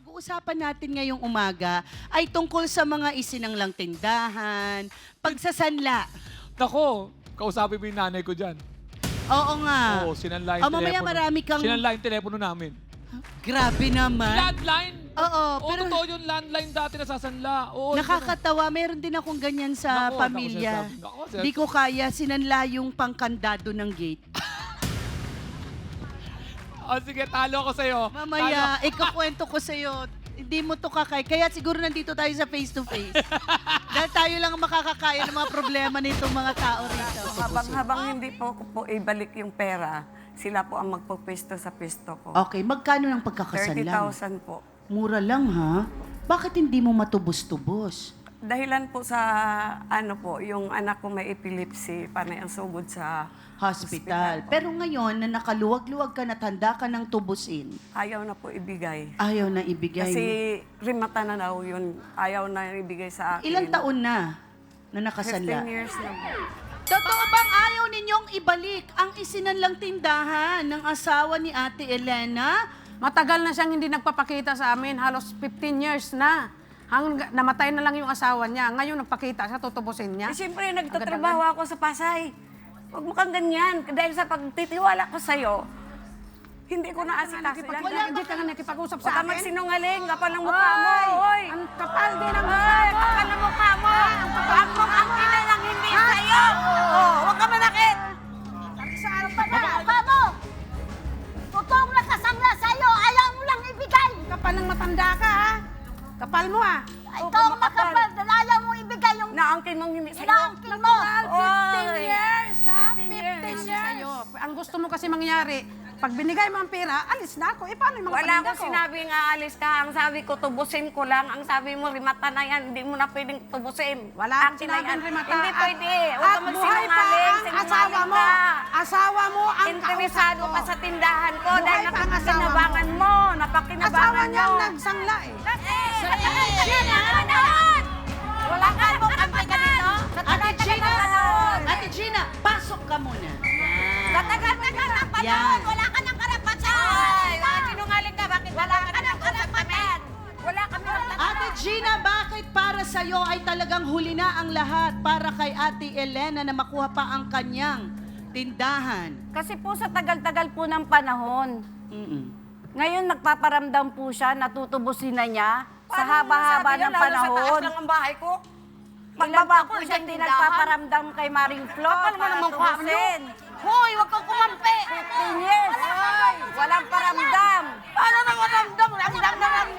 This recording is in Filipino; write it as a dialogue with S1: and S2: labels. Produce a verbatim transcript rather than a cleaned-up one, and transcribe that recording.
S1: pag-uusapan natin ngayong umaga ay tungkol sa mga isinanglang tindahan, pagsasanla.
S2: Nako, kausapin mo yung nanay ko dyan.
S1: Oo nga.
S2: Oo, sinanla yung
S1: O, mamaya
S2: telepono.
S1: marami kang-
S2: Sinanla yung telepono namin.
S1: Grabe naman.
S2: Landline?
S1: Oo,
S2: Oo,
S1: pero
S2: totoo yung landline dati nasasanla. Oo,
S1: nakakatawa. Meron din akong ganyan sa
S2: Nako,
S1: pamilya.
S2: nako, sinasabi- nako, sinasabi-
S1: Hindi ko kaya, sinanla yung pangkandado ng gate.
S2: Oh, sige, talo ko sa'yo.
S1: Mamaya, ikakwento ko sa'yo. Hindi mo to kakay. Kaya siguro nandito tayo sa face-to-face. Dahil tayo lang ang makakakaya ng mga problema nitong mga tao rito.
S3: Habang, habang hindi po ko po ibalik yung pera, sila po ang magpupesto sa pesto ko.
S1: Okay, magkano ng
S3: thirty
S1: pagkakasanla?
S3: thousand po.
S1: Mura lang ha? Bakit hindi mo matubos-tubos?
S3: Dahilan po sa ano po, yung anak ko may epilepsy, panay ang sugod sa
S1: Hospital.
S3: po.
S1: Pero ngayon, na nakaluwag-luwag ka na tanda ka ng tubusin,
S3: Ayaw na po ibigay.
S1: ayaw na ibigay.
S3: Kasi rimata na daw yun, ayaw na ibigay sa akin.
S1: Ilang taon na na nakasanla?
S3: fifteen years na po.
S1: Totoo bang ayaw ninyong ibalik ang isinanlang tindahan ng asawa ni Ate Elena?
S4: Matagal na siyang hindi nagpapakita sa amin, halos fifteen years na. Hanggang namatay na lang yung asawa niya. Ngayon nagpakita siya, tutubusin niya.
S3: Eh, siyempre, nagtatrabaho ako sa Pasay. Huwag mo kang ganyan. Dahil sa pagtitiwala ko sa'yo, hindi ko naasikaso yan.
S4: Wala, hindi ka nga nakipag-usap
S3: Huwag
S4: sa
S3: ka
S4: akin.
S3: magsinungaling. Kapal ng mukha mo. Hoy!
S4: Ang kapal din ang mukha
S3: Ay,
S4: mo.
S3: kapal ng mukha mo. Ang mukha ang ina lang hindi sa'yo. Oh, huwag ka manakit.
S5: Ano pa na? Apa mo? Totoong nakasangla sa'yo, ayaw mo lang ibigay.
S4: Kapal ng matanda ka, ha? Kapal mo, ha?
S5: Ikaw ang makapal, dahil ayaw mo ibigay yung
S3: Naangkin mong hindi sa'yo.
S5: inaangkin mo.
S4: fifteen
S3: Oy.
S4: years, ha?
S3: fifteen
S4: fifteen
S3: years.
S4: years. Sa'yo. Ang gusto mo kasi mangyari, pag binigay mo ang pera, alis na ako. Eh, paano yung mga
S3: Wala
S4: paninda
S3: akong
S4: ko?
S3: sinabing aalis ka. Ang sabi ko, tubusin ko lang. Ang sabi mo, rimata na yan. Hindi mo na pwedeng tubusin.
S4: Wala akong
S3: Akin na
S4: sinabing
S3: yan.
S4: rimata.
S3: Hindi
S4: At-
S3: pwede. Huwag ka
S4: At buhay pa
S3: magsinungaling.
S4: ang asawa
S3: Sinungaling
S4: mo.
S3: ka.
S4: Asawa mo ang
S3: Interesado
S4: kausap
S3: ka
S4: ko.
S3: sa tindahan ko
S4: Buhay
S3: dahil
S4: pa ang asawa
S3: napakinabangan mo.
S4: Asawa
S3: Napakinabangan
S4: niya
S3: mo.
S4: ang nagsangla, eh.
S3: Wala ka mo kampi ka dito?
S1: Ate Gina!
S3: Panahon.
S1: Ate Gina, pasok ka muna.
S3: Sa tagal-tagal ng panahon,
S1: Yan.
S3: wala ka ng karapatan. Ay, mga sinungaling ka. Bakit wala ka ng karapatan? Wala ka ng
S1: Ate Gina, bakit para sa'yo ay talagang huli na ang lahat para kay Ate Elena na makuha pa ang kanyang tindahan?
S6: Kasi po sa tagal-tagal po ng panahon,
S1: Mm-mm.
S6: ngayon nagpaparamdam po siya, natutubusin na niya sa haba-haba ng panahon.
S3: Sa taas lang ang bahay ko.
S6: Ilan
S3: Pagbaba
S6: pa
S3: ko
S6: po
S3: sa
S6: siya hindi
S3: tindahan.
S6: nagpaparamdam kay Maring Flo
S3: Kapal mo
S6: para
S3: naman mukha mo.
S6: tubusin.
S3: Hoy, wag kang kumampi.
S6: fifteen years, walang paramdam.
S3: Paano nang maramdam? Ramdam na ramdam